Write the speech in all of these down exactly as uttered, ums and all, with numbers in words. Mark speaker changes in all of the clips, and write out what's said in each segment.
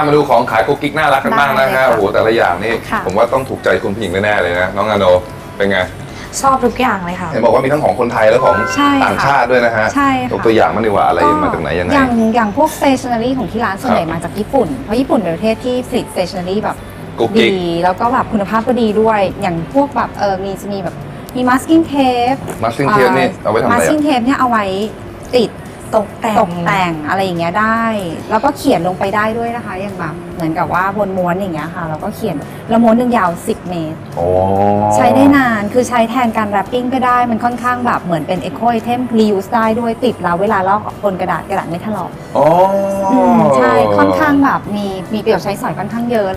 Speaker 1: มาดูของขายกุ๊กกิ๊กน่ารักกันบ้างนะฮะโอ้โหแต่ละอย่างนี่ผมว่าต้องถูกใจคุณผู้หญิงแน่ๆเลยนะน้องอาโนเป็นไง
Speaker 2: ชอบทุกอย่างเลยค่ะ
Speaker 1: เห็นบอกว่ามีทั้งของคนไทยและของต่างชาติด้วยนะฮะ
Speaker 2: ใช่ค่ะ
Speaker 1: ตัวอย่างมันดีกว่าอะไรมาจากไหนยังไง
Speaker 2: อย่างอย่างพวก stationery ของที่ร้านส่วนใหญ่มาจากญี่ปุ่นเพราะญี่ปุ่นเป็นประเทศที่ผลิต stationery แบบดีแล้วก็แบบคุณภาพก็ดีด้วยอย่างพวกแบบเออมีจะมีแบบมี masking tape
Speaker 1: masking tape นี่เอาไว้ทำอะไร
Speaker 2: masking tape เนี่ยเอาไว้ติดตกแต่งตกแต่งอะไรอย่างเงี้ยได้แล้วก็เขียนลงไปได้ด้วยนะคะอย่างแบบเหมือนกับว่าบนม้วนอย่างเงี้ยค่ะแล้วก็เขียนแล้วม้วนหนึ่งยาวสิบเมตรใช้ได้นานคือใช้แทนการแรปปิ้งก็ได้มันค่อนข้างแบบเหมือนเป็น eco item reuse ได้ด้วยติดแล้วเวลาลอกบนกระดาษกระดาษไม่ถลอก
Speaker 1: อ๋อ
Speaker 2: ใช่ค่อนข้างแบบมีมีประโยชน์ใช้สอยค่อนข้างเยอะ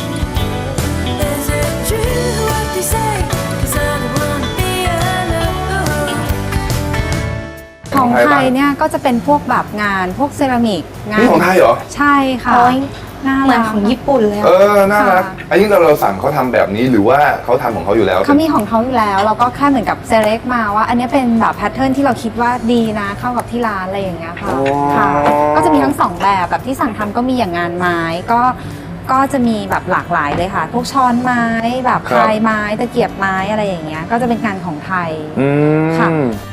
Speaker 2: ของไทยเนี่ยก็จะเป็นพวกแบบงานพวกเซรามิกงาน
Speaker 1: นี่ของไทยเหรอ
Speaker 2: ใช่ค่ะเหมือนของญี่ปุ่นเลย
Speaker 1: เออน่ารักอันนี้เราเราสั่งเขาทำแบบนี้หรือว่าเขาทำของเขาอยู่แล้ว
Speaker 2: เขามีของเขาอยู่แล้วเราก็แค่เหมือนกับเซเล็กมาว่าอันนี้เป็นแบบแพทเทิร์นที่เราคิดว่าดีนะเข้ากับที่ร้านอะไรอย่างเงี้ยค่ะค่ะก็จะมีทั้งสองแบบแบบที่สั่งทำก็มีอย่างงานไม้ก็ก็จะมีแบบหลากหลายเลยค่ะพวกช้อนไม้แบบพายไม้ตะเกียบไม้อะไรอย่างเงี้ยก็จะเป็นงานของไทยค่ะ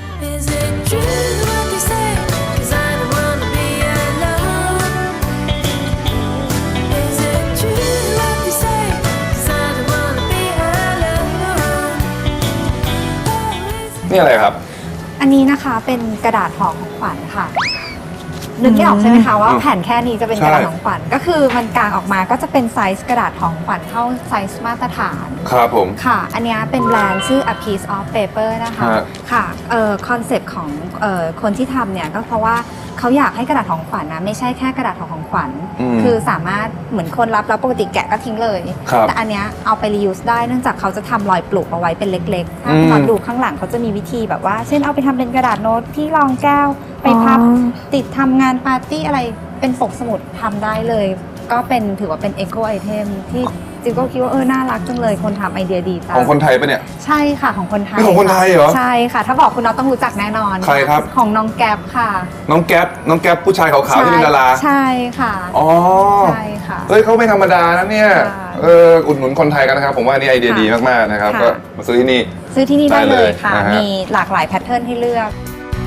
Speaker 1: นี่อะไรครับ
Speaker 2: อันนี้นะคะเป็นกระดาษห่อของขวัญค่ะนึกไม่ออกใช่ไหมคะว่าแผ่นแค่นี้จะเป็นกระดาษของขวัญก็คือมันกางออกมาก็จะเป็นไซส์กระดาษของขวัญเท่าไซส์มาตรฐาน
Speaker 1: ครับผม
Speaker 2: ค่ะอันนี้เป็นแบรนด์ชื่อ A Piece of Paper นะคะค่ะเอ่อคอนเซปต์ของเอ่อคนที่ทำเนี่ยก็เพราะว่าเขาอยากให้กระดาษของขวัญนะไม่ใช่แค่กระดาษของขวัญคือสามารถเหมือนคนรับแล้วปกติแกะก็ทิ้งเลยแต่อันนี้เอาไป reuse ได้เนื่องจากเขาจะทำรอยปลูกเอาไว้เป็นเล็กๆถ้าคุณดูข้างหลังเขาจะมีวิธีแบบว่าเช่นเอาไปทำเป็นกระดาษโน้ตที่รองแก้วไปพับติดทำงานปาร์ตี้อะไรเป็นปกสมุดทำได้เลยก็เป็นถือว่าเป็น eco item ที่จิ๊บก็คิดว่าเออน่ารักจังเลยคนทำไอเดียดีจัง
Speaker 1: ของคนไทยปะเนี่ย
Speaker 2: ใช่ค่ะของคนไทย
Speaker 1: นี่ของคนไทยเหรอ
Speaker 2: ใช่ค่ะถ้าบอกคุณน้องต้องรู้จักแน่นอน
Speaker 1: ใครครับ
Speaker 2: ของน้องแก๊ปค่ะ
Speaker 1: น้องแก๊ปน้องแก๊ปผู้ชายขาวๆที่เป็นดารา
Speaker 2: ใช่ค่ะ
Speaker 1: อ๋อ
Speaker 2: ใช่ค่ะ
Speaker 1: เฮ้ยเขาไม่ธรรมดานะเนี่ยเอออุดหนุนคนไทยกันนะครับผมว่านี่ไอเดียดีมากๆนะครับก็มาซื้อที่นี่
Speaker 2: ซื้อที่นี่ได้เลยค่ะมีหลากหลายแพทเทิร์นให้เลือก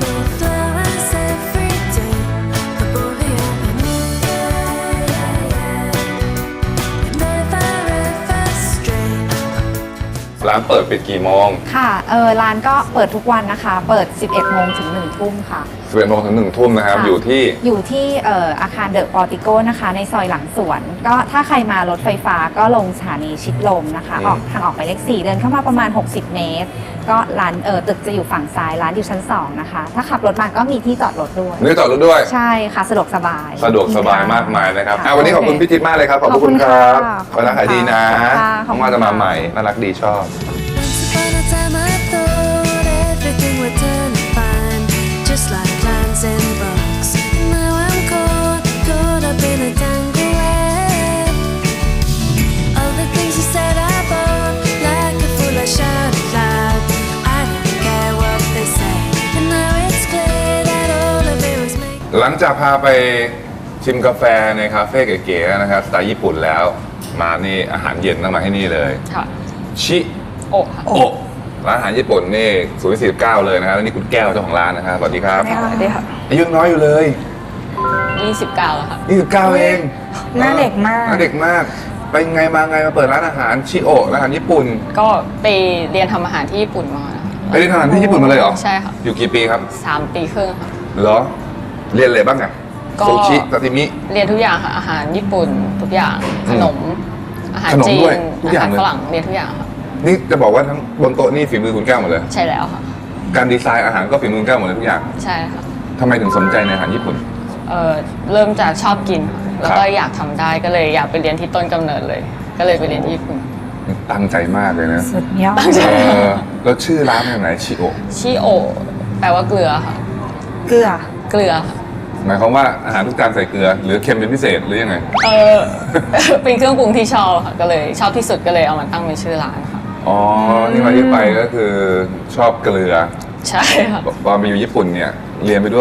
Speaker 1: ร้านเปิดปิดกี่โมง
Speaker 2: ค่ะเออร้านก็เปิดทุกวันนะคะเปิด สิบเอ็ดโมงถึงหนึ่งทุ่มค่ะ
Speaker 1: สิบเอ็ดโมงถึงหนึ่งทุ่มนะครับอยู่ที่
Speaker 2: อยู่ที่เอ่ออาคารเดอะปอร์ติโกนะคะในซอยหลังสวนก็ถ้าใครมารถไฟฟ้าก็ลงสถานีชิดลมนะคะออกทางออกไปเลขสี่เดินเข้ามาประมาณหกสิบเมตรก็ร้านเออตึกจะอยู่ฝั่งซ้ายร้านอยู่ชั้นสองนะคะถ้าขับรถมาก็มีที่จอดรถด้วย
Speaker 1: มีจอดรถด้วย
Speaker 2: ใช่ค่ะสะดวกสบาย
Speaker 1: สะดวกสบายมากมายนะครับวันนี้ขอบคุณพี่จิ๊บมากเลยครับขอบคุณครับขอรักขายดีนะน้องมาจะมาใหม่น่ารักดีชอบหลังจากพาไปชิมกาแฟในคาเฟ่เก๋ๆนะครับสไตล์ญี่ปุ่นแล้วมานี่อาหารเย็นต้องมาให้นี่เลยชิโอะโอะร้านอาหารญี่ปุ่นนี่ศูนย์สี่สิบเก้าเลยนะครับแล้วนี่คุณแก้วเจ้าของร้านนะครับสวัสดีครับ
Speaker 2: สวัสดีค่ะ
Speaker 1: อายุน้อยอยู่เลย
Speaker 3: ยี่สิบเก้าแล้วค่ะ
Speaker 1: ยี่สิบเก้าเอง
Speaker 2: หน้าเด็กมาก
Speaker 1: หน้าเด็กมากไปไงมาไงมาเปิดร้านอาหารชิโอะร้านอาหารญี่ปุ่น
Speaker 3: ก็ไปเรียนทำอาหารที่ญี่ปุ่นมา
Speaker 1: ไปเรียนทำอาหารที่ญี่ปุ่นมาเลยเหรอ
Speaker 3: ใช่ค่ะ
Speaker 1: อยู่กี่ปีครับ
Speaker 3: สามปีครึ่งค่ะ
Speaker 1: เหรอเรียนอะไรบ้างอะซูชิซาซิมิ
Speaker 3: เรียนทุกอย่างค่ะอาหารญี่ปุ่นทุกอย่างขนมอาหารจีนอาหารฝรั่งเรียนทุกอย่างค่ะ
Speaker 1: นี่จะบอกว่าทั้งบนโต๊ะนี่ฝีมือคุณแก้วหมดเลย
Speaker 3: ใช่แล้วค่ะ
Speaker 1: การดีไซน์อาหารก็ฝีมือคุณแก้วหมดเลยทุกอย่าง
Speaker 3: ใช่ค่ะ
Speaker 1: ทำไมถึงสนใจในอาหารญี่ปุ่น
Speaker 3: เอ่อเริ่มจากชอบกินแล้วก็อยากทำได้ก็เลยอยากไปเรียนที่ต้นกำเนิดเลยก็เลยไปเรียนที่ญี่ปุ่น
Speaker 1: ตั้งใจมากเลยนะ
Speaker 2: สุดยอด
Speaker 1: แล้วชื่อร้านเป็นไงชิโอะ
Speaker 3: ชิโอะแปลว่าเกลือค่ะ
Speaker 2: เกลือ
Speaker 3: เกลือค่ะ
Speaker 1: หมายความว่าอาหารทุกจานใส่เกลือหรือเค็มเป็นพิเศษหรือยังไง
Speaker 3: เออเป็นเครื่องปรุงที่ชอบค่ะก็เลยชอบที่สุดก็เลยเอามาตั้งเป็นชื่อร้านค่ะ
Speaker 1: อ๋อที่มาที่ไปก็คือชอบเกลือ
Speaker 3: ใช่ค่ะ
Speaker 1: ตอนไปอยู่ญี่ปุ่นเนี่ยเรียนไปด้วย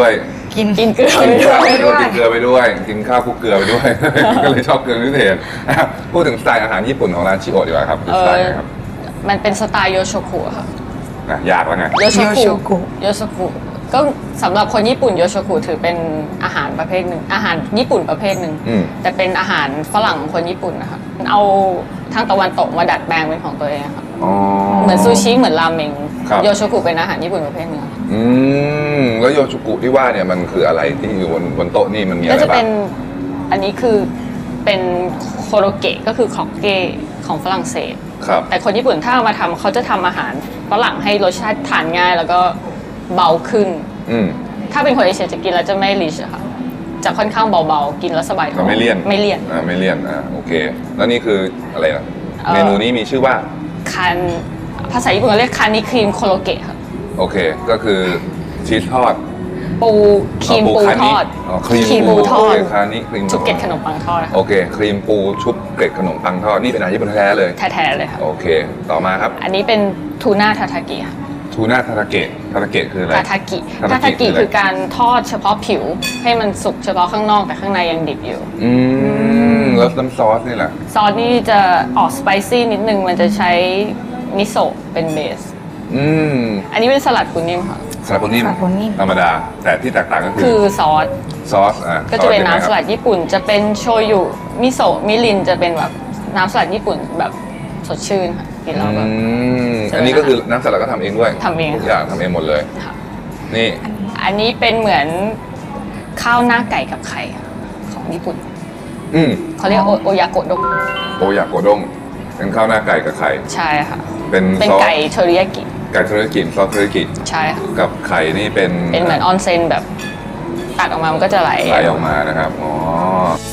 Speaker 4: กิน
Speaker 3: กินเกลือ
Speaker 1: กิน
Speaker 3: ไปด้
Speaker 1: ข้าว
Speaker 3: วย
Speaker 1: ไปด้วยกินเกลือไปด้วย กินข้าวคลุกเกลือไปด้วย ก็เลยชอบเกลือพิเศษอ่ะพูดถึงสไตล์อาหารญี่ปุ่นของร้านชิโอะดีกว่าครับคือ
Speaker 3: เอ
Speaker 1: สไตล์
Speaker 3: อ
Speaker 1: ไหนครับ
Speaker 3: มันเป็นสไตล์โยโชกุค่ะ
Speaker 1: อ่ะยากแล้วไง
Speaker 3: โยโช
Speaker 4: โยโชกุ
Speaker 3: กุโยโชกุก็สำหรับคนญี่ปุ่นโยโชกุถือเป็นอาหารประเภทหนึ่งอาหารญี่ปุ่นประเภทหนึ่ง
Speaker 1: อืม
Speaker 3: แต่เป็นอาหารฝรั่งของคนญี่ปุ่นนะคะเอาทางตะวันตกมาดัดแปลงเป็นของตัวเองค่ะ
Speaker 1: อ๋อ
Speaker 3: เหมือนซูชิเหมือนราเมง
Speaker 1: ครับ
Speaker 3: โยโชกุเป็นอาหารญี่ปุ่นประเภทหนึ่งค่ะ
Speaker 1: อืมแล้วโยชุกุที่ว่าเนี่ยมันคืออะไรที่อยู่บนบนโต๊ะนี่มันมีอะ
Speaker 3: ก็
Speaker 1: ไร
Speaker 3: จะ
Speaker 1: บ้า
Speaker 3: เป็
Speaker 1: ง
Speaker 3: นอันนี้คือเป็นโคโรเกะก็คือของเกะของฝรั่งเศส
Speaker 1: ครับ
Speaker 3: แต่คนญี่ปุ่นถ้าเอามาทำเขาจะทำอาหารฝรั่งให้รสชาติทานง่าย แล้วก็เบาขึ้น
Speaker 1: อืม
Speaker 3: ถ้าเป็นคนเอเชียจะกินแล้วจะไม่ริชอะค่ะจะค่อนข้างเบาๆกินแล้วสบายท้
Speaker 1: ก็
Speaker 3: อง
Speaker 1: ไม่เลี่ยน
Speaker 3: ไม่เลี่ยน
Speaker 1: อ่าไม่เลี่ยนอ่าโอเค แล้วนี่คืออะไรนะ
Speaker 3: เอ่อ
Speaker 1: เมนูนี้มีชื่อว่า
Speaker 3: คันภาษาญี่ปุ่นเขาเรียกคันนิครีมโคโรเกะค่ะ
Speaker 1: โอเค ก็คือชีสทอด
Speaker 3: ปูครีมปู
Speaker 1: คา
Speaker 3: ท
Speaker 1: นิ
Speaker 3: อด
Speaker 1: อ๋อครีม
Speaker 3: ครีมปูทอด
Speaker 1: โเคคานิครีม
Speaker 3: ชุบเกล็ดขนมปังทอด
Speaker 1: โอเค ครีมปูชุบเกล็ดขนมปังทอด นี่เป็นอาหารญี่ปุ่นแท้ๆเลย
Speaker 3: แท้ๆเลยค่ะ
Speaker 1: โอเค ต่อมาครับ
Speaker 3: อันนี้เป็นทูน่าทาทากิค่ะ
Speaker 1: ทูน่าทาทาเกะทาทาเกะคืออะไร
Speaker 3: ทาทากิ
Speaker 1: ทา
Speaker 3: ทา
Speaker 1: ทา
Speaker 3: ทา
Speaker 1: กิ
Speaker 3: กิ
Speaker 1: คืออะไร
Speaker 3: คือการทอดเฉพาะผิว ให้มันสุกเฉพาะข้างนอกแต่ข้างในยังดิบอยู่
Speaker 1: อืมแล้วน้ำซอสนี่แหละ
Speaker 3: ซอสนี่จะออกสไปซี่นิดนึงมันจะใช้มิโซะเป็นเบส
Speaker 1: อืม
Speaker 3: อันนี้เป็นสลัดปูนิ่มค่ะ
Speaker 1: สลัดปูนิ่ม
Speaker 4: สลัดปูนิ่ม
Speaker 1: ธรรมดา แต่ที่แตกต่างก็คื
Speaker 3: คือ อซอส
Speaker 1: ซอสอ่ะ
Speaker 3: ก็จะเป็น
Speaker 1: ซอส
Speaker 3: น้ำส
Speaker 1: ยังไง
Speaker 3: ลั
Speaker 1: ครับ
Speaker 3: ดญี่ปุ่น จะเป็นโชยุมิโซะมิรินจะเป็นแบบน้ำสลัดญี่ปุ่นแบบสดชื่นค่ะกินแล้วแบบ
Speaker 1: อืม
Speaker 3: ใช่ไหม
Speaker 1: อันนี้ก็คือน้ำสลัดก็ทำเองด้วย
Speaker 3: ทำเอง
Speaker 1: ทุกอย่างทำเองหมดเลย
Speaker 3: ค่ะ
Speaker 1: นี่
Speaker 3: อันนี้เป็นเหมือนข้าวหน้าไก่กับไข่ค่ะของญี่ปุ่น
Speaker 1: อืม
Speaker 3: เขาเรียกโอโอยาโกะดง
Speaker 1: โอยากโกด้งเป็นข้าวหน้าไก่กับไข่
Speaker 3: ใช่ค่ะ
Speaker 1: เป็น
Speaker 3: เป็น
Speaker 1: ซอส
Speaker 3: ไก่เทอริยากิ
Speaker 1: ไก่เทอริยากิซอสเทอริยากิ
Speaker 3: ใช่ค่ะ
Speaker 1: กับไข่นี่เป็น
Speaker 3: เป็นเหมือนออนเซนแบบตัดออกมามันก็จะไหล
Speaker 1: ไหลออกมานะครับอ๋อ